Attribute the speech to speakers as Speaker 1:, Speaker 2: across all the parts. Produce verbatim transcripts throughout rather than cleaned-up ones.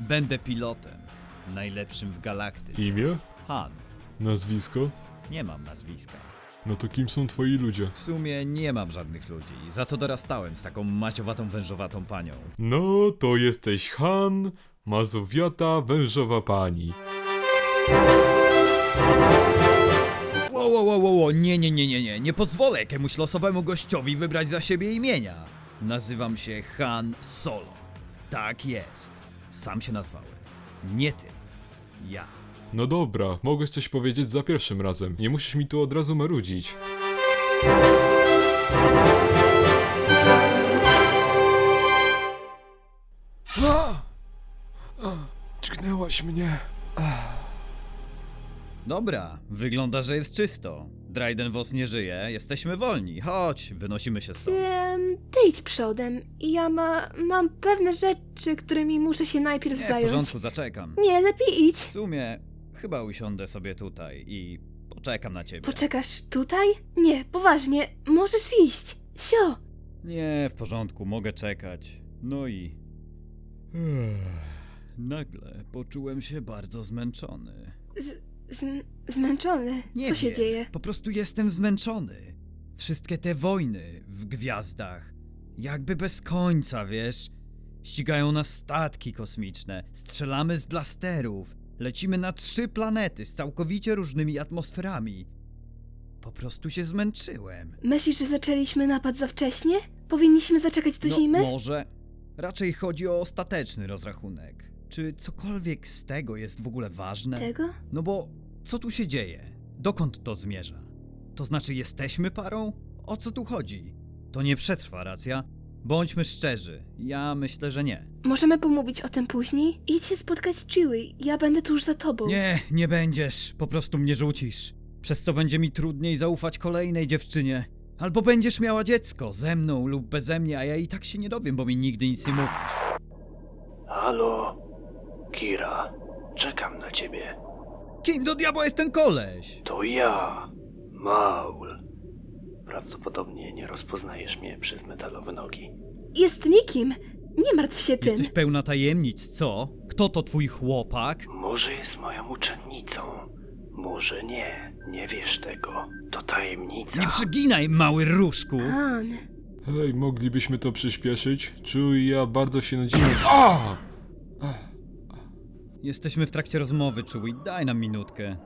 Speaker 1: Będę pilotem. Najlepszym w galaktyce.
Speaker 2: Imię?
Speaker 1: Han.
Speaker 2: Nazwisko?
Speaker 1: Nie mam nazwiska.
Speaker 2: No to kim są twoi ludzie?
Speaker 1: W sumie nie mam żadnych ludzi. Za to dorastałem z taką maciowatą, wężowatą panią.
Speaker 2: No to jesteś Han, mazowiata, wężowa pani.
Speaker 1: Wow, wow, wow, wow, nie, nie, nie, nie, nie. Nie pozwolę jakiemuś losowemu gościowi wybrać za siebie imienia. Nazywam się Han Solo. Tak jest. Sam się nazwałem. Nie ty. Ja.
Speaker 2: No dobra, mogłeś coś powiedzieć za pierwszym razem. Nie musisz mi tu od razu marudzić. Dźgnęłaś mnie.
Speaker 1: Dobra, wygląda, że jest czysto. Dryden Voss nie żyje, jesteśmy wolni. Chodź, wynosimy się stąd.
Speaker 3: Em, ty idź przodem. Ja ma, mam pewne rzeczy, którymi muszę się najpierw
Speaker 1: Nie, w
Speaker 3: zająć.
Speaker 1: porządku, zaczekam.
Speaker 3: Nie, lepiej idź.
Speaker 1: W sumie, chyba usiądę sobie tutaj i poczekam na ciebie.
Speaker 3: Poczekasz tutaj? Nie, poważnie, możesz iść. Sio!
Speaker 1: Nie, w porządku, mogę czekać. No i... Ech, nagle poczułem się bardzo zmęczony.
Speaker 3: Z, z, zmęczony.
Speaker 1: Nie
Speaker 3: Co się
Speaker 1: wiem,
Speaker 3: dzieje?
Speaker 1: Po prostu jestem zmęczony. Wszystkie te wojny w gwiazdach. Jakby bez końca, wiesz? Ścigają nas statki kosmiczne, strzelamy z blasterów, lecimy na trzy planety z całkowicie różnymi atmosferami. Po prostu się zmęczyłem.
Speaker 3: Myślisz, że zaczęliśmy napad za wcześnie? Powinniśmy zaczekać do
Speaker 1: No,
Speaker 3: zimy?
Speaker 1: może. Raczej chodzi o ostateczny rozrachunek. Czy cokolwiek z tego jest w ogóle ważne?
Speaker 3: Tego?
Speaker 1: No bo co tu się dzieje? Dokąd to zmierza? To znaczy jesteśmy parą? O co tu chodzi? To nie przetrwa, racja? Bądźmy szczerzy, ja myślę, że nie.
Speaker 3: Możemy pomówić o tym później? Idź się spotkać z Chewie, ja będę tuż za tobą.
Speaker 1: Nie, nie będziesz, po prostu mnie rzucisz. Przez co będzie mi trudniej zaufać kolejnej dziewczynie. Albo będziesz miała dziecko, ze mną lub beze mnie, a ja i tak się nie dowiem, bo mi nigdy nic nie mówisz.
Speaker 4: Halo, Kira, czekam na ciebie.
Speaker 1: Kim do diabła jest ten koleś?
Speaker 4: To ja, Maul. Prawdopodobnie nie rozpoznajesz mnie przez metalowe nogi.
Speaker 3: Jest nikim. Nie martw się tym.
Speaker 1: Jesteś pełna tajemnic, co? Kto to twój chłopak?
Speaker 4: Może jest moją uczennicą, może nie. Nie wiesz tego. To tajemnica.
Speaker 1: Nie przeginaj, mały różku!
Speaker 3: Han.
Speaker 2: Hej, moglibyśmy to przyspieszyć? Czu i ja bardzo się nudzimy. A!
Speaker 1: Jesteśmy w trakcie rozmowy, Chewie, daj nam minutkę.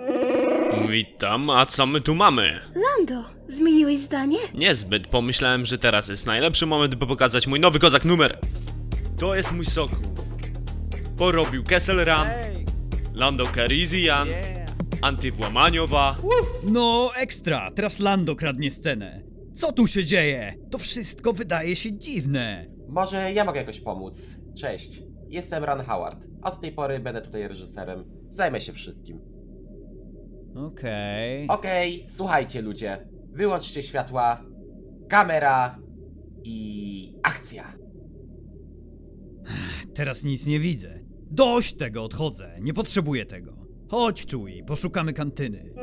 Speaker 5: Witam, a co my tu mamy?
Speaker 3: Lando, zmieniłeś zdanie?
Speaker 5: Niezbyt, pomyślałem, że teraz jest najlepszy moment, by pokazać mój nowy kozak numer. To jest mój soku. Porobił Kessel Run, Lando Calrissian, Antywłamaniowa.
Speaker 1: No, ekstra! Teraz Lando kradnie scenę. Co tu się dzieje? To wszystko wydaje się dziwne.
Speaker 6: Może ja mogę jakoś pomóc. Cześć, jestem Ron Howard. Od tej pory będę tutaj reżyserem. Zajmę się wszystkim.
Speaker 1: Okej.
Speaker 6: Okej, słuchajcie ludzie. Wyłączcie światła, kamera i akcja.
Speaker 1: Teraz nic nie widzę. Dość tego, odchodzę. Nie potrzebuję tego. Chodź, Chewie, poszukamy kantyny.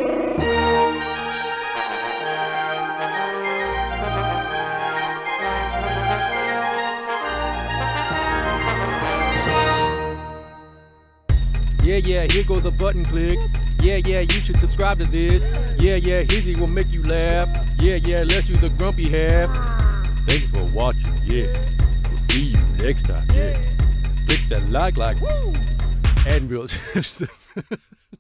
Speaker 7: Yeah, yeah, here go the button clicks. Yeah, yeah, you should subscribe to this. Yeah, yeah, Hizzy will make you laugh. Yeah, yeah, let's do the grumpy half. Thanks for watching, yeah. We'll see you next time, yeah. Click that like, like, woo! And we'll...